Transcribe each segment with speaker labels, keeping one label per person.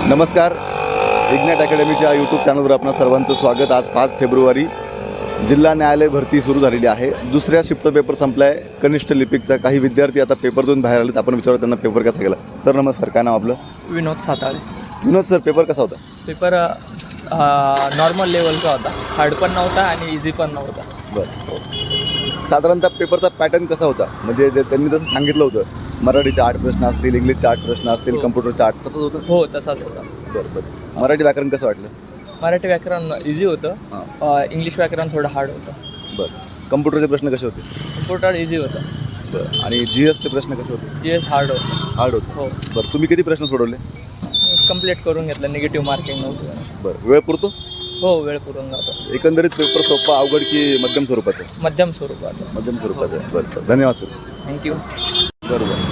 Speaker 1: नमस्कार, ignite अकॅडमीच्या YouTube चॅनलवर आपणा सर्वांचं स्वागत। आज 5 फेब्रुवारी जिल्हा न्यायालय भरती सुरू झालेली आहे। दुसऱ्या शिफ्टचा पेपर संपला आहे कनिष्ठ लिपिकचा। काही विद्यार्थी आता पेपर देऊन बाहेर आलेत। आपण विचारू त्यांना पेपर कसा गेला। सर नमस्कार, काय नाव आपलं?
Speaker 2: विनोद साताळे।
Speaker 1: विनोद सर, पेपर कसा होता?
Speaker 2: पेपर नॉर्मल लेवलचा होता, हार्ड पण नव्हता आणि इझी पण नव्हता।
Speaker 1: बरं, साधारणतः पेपरचा पॅटर्न कसा होता? म्हणजे जे त्यांनी जसं सांगितलं होतं, मराठीचे 8 प्रश्न असतील, इंग्लिशचे 8 प्रश्न असतील, कम्प्युटरचे 8, तसंच होतं?
Speaker 2: हो, तसाच होता।
Speaker 1: बरं बरं, मराठी व्याकरण कसं वाटलं?
Speaker 2: मराठी व्याकरण इझी होतं, इंग्लिश व्याकरण थोडं हार्ड होतं।
Speaker 1: बरं, कम्प्युटरचे प्रश्न कसे होते?
Speaker 2: कम्प्युटर इझी होतं।
Speaker 1: बरं, आणि GSचे प्रश्न कसे होते?
Speaker 2: GS हार्ड होतं।
Speaker 1: हार्ड होते?
Speaker 2: हो,
Speaker 1: बरं, तुम्ही किती प्रश्न सोडवले?
Speaker 2: कंप्लीट करून घेतलं, निगेटिव्ह मार्किंग नव्हतं।
Speaker 1: बरं, वेळ पुरतो?
Speaker 2: हो, वेळ पुरून जातो।
Speaker 1: एकंदरीत पेपर सोपा, अवघड की मध्यम स्वरूपाचं?
Speaker 2: मध्यम स्वरूपात।
Speaker 1: मध्यम स्वरूपाचं आहे। बरं, धन्यवाद सर।
Speaker 2: थँक्यू।
Speaker 1: बरोबर।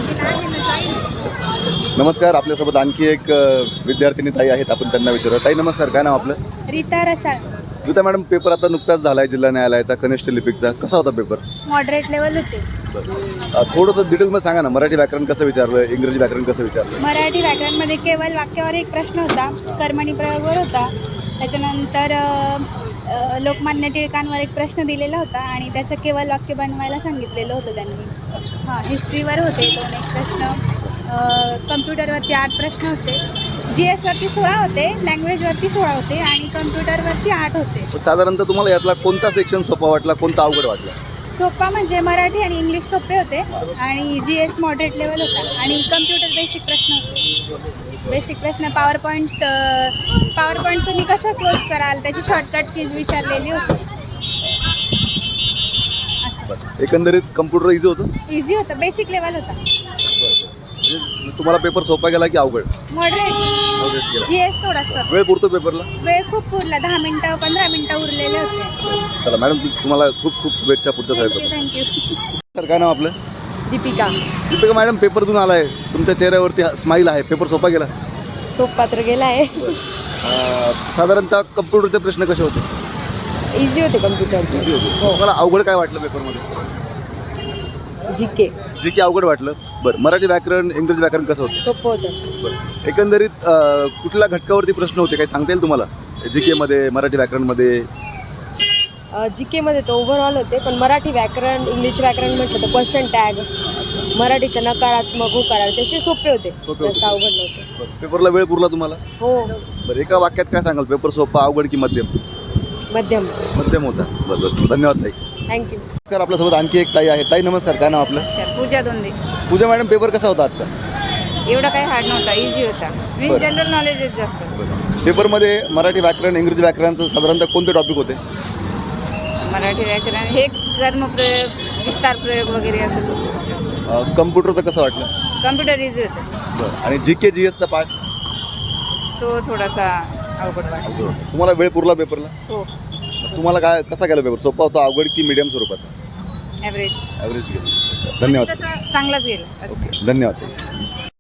Speaker 1: नमस्कार, आपल्यासोबत आणखी एक विद्यार्थिनी ताई आहेत। आपण त्यांना विचारू। ताई नमस्कार, काय नाव आपलं?
Speaker 3: रीता रसाळ।
Speaker 1: रीता मॅडम, पेपर आता नुकताच झाला आहे जिल्हा न्यायालयाचा कनिष्ठ लिपिकचा। कसा होता पेपर?
Speaker 3: मॉडरेट लेवल होते।
Speaker 1: थोडंसं डिटेलमध्ये सांगा ना, मराठी व्याकरण कसं विचारलं, इंग्रजी व्याकरण कसं विचारलं?
Speaker 3: मराठी व्याकरणमध्ये केवळ वाक्यावर एक प्रश्न होता, कर्मणी प्रयोगवर होता। त्याच्यानंतर लोकमान्य टिळकांवर एक प्रश्न दिलेला होता आणि त्याचं केवळ वाक्य बनवायला सांगितलेलं होतं त्यांनी। हां, हिस्ट्रीवर होते 2 प्रश्न, कम्प्युटरवरती 8 प्रश्न होते, GS वरती 16 होते, लँग्वेजवरती 16 होते आणि कम्प्युटरवरती 8 होते।
Speaker 1: साधारणतः तुम्हाला यातला कोणता सेक्शन सोपा वाटला, कोणता अवघड वाटला?
Speaker 3: सोपा म्हणजे मराठी आणि इंग्लिश सोपे होते आणि GS मॉडरेट लेवल होता आणि कम्प्युटर बेसिक प्रश्न होते। बेसिक प्रश्न, पॉवर पॉईंट तुम्ही कसं क्लोज कराल त्याची शॉर्टकट कीज विचारलेली होती। असं
Speaker 1: एकंदरीत कम्प्युटर इझी होतं?
Speaker 3: इझी होतं, बेसिक लेवल होता।
Speaker 1: म्हणजे तुम्हाला पेपर सोपा गेला की अवघड?
Speaker 3: मॉडरेट। GS थोडासा
Speaker 1: वेळ पुरतो पेपरला?
Speaker 3: वेळ खूप पुरला, 10 मिनटं 15 मिनटं उरलेले होते।
Speaker 1: चला मॅडम, तुम्हाला खूप खूप शुभेच्छा पुढच्या साहेब।
Speaker 3: थँक्यू।
Speaker 1: सर, काय नाव आपलं?
Speaker 3: दीपिका।
Speaker 1: दीपिका मॅडम, पेपर देऊन आलाय, तुमच्या चेहऱ्यावरती स्माईल आहे। पेपर सोपा गेला?
Speaker 3: सोपा तर गेला आहे।
Speaker 1: साधारणतः कम्प्युटरचे प्रश्न कसे होते?
Speaker 3: इझी होते कम्प्युटरचे।
Speaker 1: इझी होते? तुम्हाला अवघड काय वाटलं पेपरमध्ये? जीके अवघड वाटलं? बरं, मराठी व्याकरण, इंग्रजी व्याकरण कसं होतं?
Speaker 3: सोपं होतं।
Speaker 1: बरं, एकंदरीत कुठल्या घटकावरती प्रश्न होते, काही सांगता येईल तुम्हाला? जीकेमध्ये, मराठी व्याकरणमध्ये?
Speaker 4: जीकेमध्ये तर ओव्हरऑल होते, पण मराठी व्याकरण, इंग्लिश व्याकरण म्हटलं तर क्वेश्चन टॅग, मराठीचं नकारात्मक होकार तसे सोपे होते, जास्त अवघड नव्हते।
Speaker 1: पेपरला वेळ पुरला तुम्हाला?
Speaker 4: हो,
Speaker 1: बरं, एका वाक्यात काय सांगाल, पेपर सोपा, अवघड की मध्यम?
Speaker 4: मध्यम।
Speaker 1: मध्यम होता। बरं, धन्यवाद ताई।
Speaker 4: थँक्यू।
Speaker 1: नमस्कार, आपल्यासोबत आणखी एक ताई आहे। ताई नमस्कार, काय नाव आपलं?
Speaker 5: पूजा दोंदे।
Speaker 1: पूजा मॅडम, पेपर कसा होता आजचा?
Speaker 5: एवढा काही हार्ड नव्हता, इझी होता।
Speaker 1: बरं.
Speaker 5: जनरल नॉलेज जास्त।
Speaker 1: पेपरमध्ये मराठी व्याकरण, इंग्रजी व्याकरणाचं साधारणतः कोणते टॉपिक होते?
Speaker 5: मराठी व्याकरण हे कर्मप्रयोग, विस्तार प्रयोग वगैरे असंच होतं।
Speaker 1: कम्प्युटरचं कसं वाटलं?
Speaker 5: कम्प्युटर इझी होतं,
Speaker 1: बरं, आणि जीके GSचा पार्ट?
Speaker 5: तो थोडासा अवघड वाटला।
Speaker 1: तुम्हाला वेळ पुरला पेपरला?
Speaker 5: हो,
Speaker 1: तुम्हाला काय कसा गेला पेपर? सोपा होता, अवघड की मीडियम स्वरूपाचा?
Speaker 5: ॲव्हरेज।
Speaker 1: ॲव्हरेज गेला। धन्यवाद।
Speaker 5: तसा चांगलाच गेला असं।
Speaker 1: धन्यवाद.